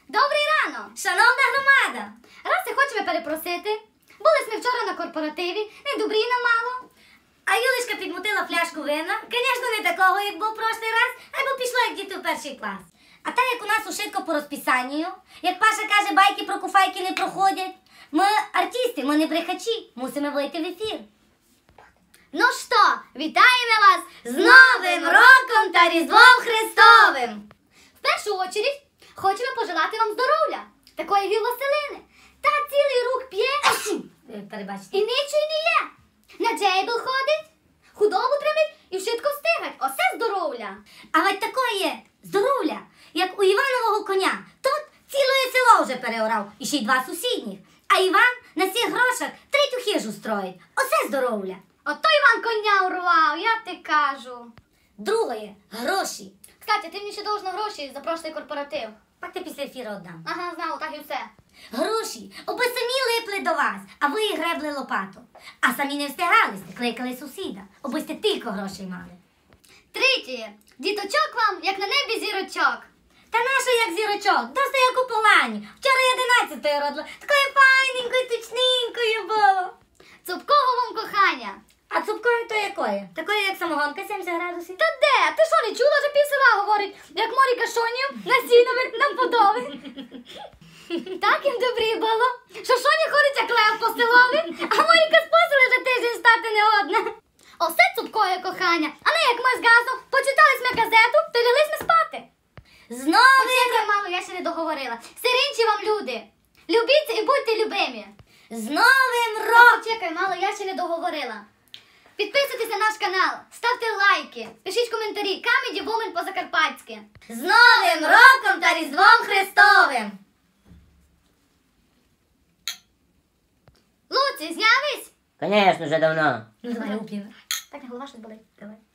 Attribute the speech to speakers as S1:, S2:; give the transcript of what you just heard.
S1: Добрий ранок!
S2: Шановна громада!
S1: Раз і хочемо перепросити. Були ми вчора на корпоративі, не добріна мало.
S2: А Юлечка підмутила фляжку вина. Звісно, не такого, як був прошлий раз, або пішло, як діти в перший клас. А так, як у нас ушитко по розписанню, як Паша каже, байки про куфайки не проходять. Ми артисти, ми не брехачі, мусимо вийти в ефір.
S1: Ну що, вітаємо вас
S2: З Новим роком та Різдвом Христовим!
S1: В першу очередь хочемо пожелати вам здоров'я, такої Василини. Та цілий рук п'є
S2: Перебачте.
S1: і нічого не є. На джейбл ходить, худобу тримить і вшитко встигать. Оце здоров'я.
S2: А ведь такое здоров'я, як у Іванового коня. Тут ціле село вже переорав, і ще й 2 сусідніх. А Іван на цих грошах 3 хижу строїть. Оце здоров'я.
S1: Ото Іван коня урвав, я ти кажу.
S2: Друге – гроші.
S1: Кстати, ти мені ще должна гроші за прошлий корпоратив.
S2: Так ти після ефіру віддам.
S1: Ага, знала, так і все.
S2: Гроші, аби самі липли до вас, а ви і гребли лопату. А самі не встигали, кликали сусіда, аби сте тільки грошей мали.
S1: Третє. Діточок вам, як на небі зірочок.
S2: Та нащо як зірочок? Досить як у полані. Вчора 11-ї родила. Такою файненькою, точненькою було.
S1: Цупкого вам кохання.
S2: А цупкою то якої? Такої, як самогонка 70 градусів.
S1: Та де? Ти що, не чула, що пів села говорить, як морі кашонів на сінових нам подови? Так їм добрі було, що шоні ходить, як лев по селові, а моріка спосили вже тиждень стати не одна. Осе цупкое кохання, а не як ми з газом почитали ми газету, то лягли ми спати.
S2: Знову
S1: Почекай, мамо, я ще не договорила. Сиринчі вам люди. Любіться і будьте любимі.
S2: з Новим роком!
S1: Почекай, мало, я ще не договорила. Підписуйтесь на наш канал, ставте лайки, пишіть коментарі, Камеді Вумен по-закарпатськи.
S2: З Новим роком та Різдвом Христовим!
S1: Луці, знявись?
S3: Конечно, вже давно.
S2: Ну давай, уп'ємо.
S1: Так, голова щось болить.
S2: Давай.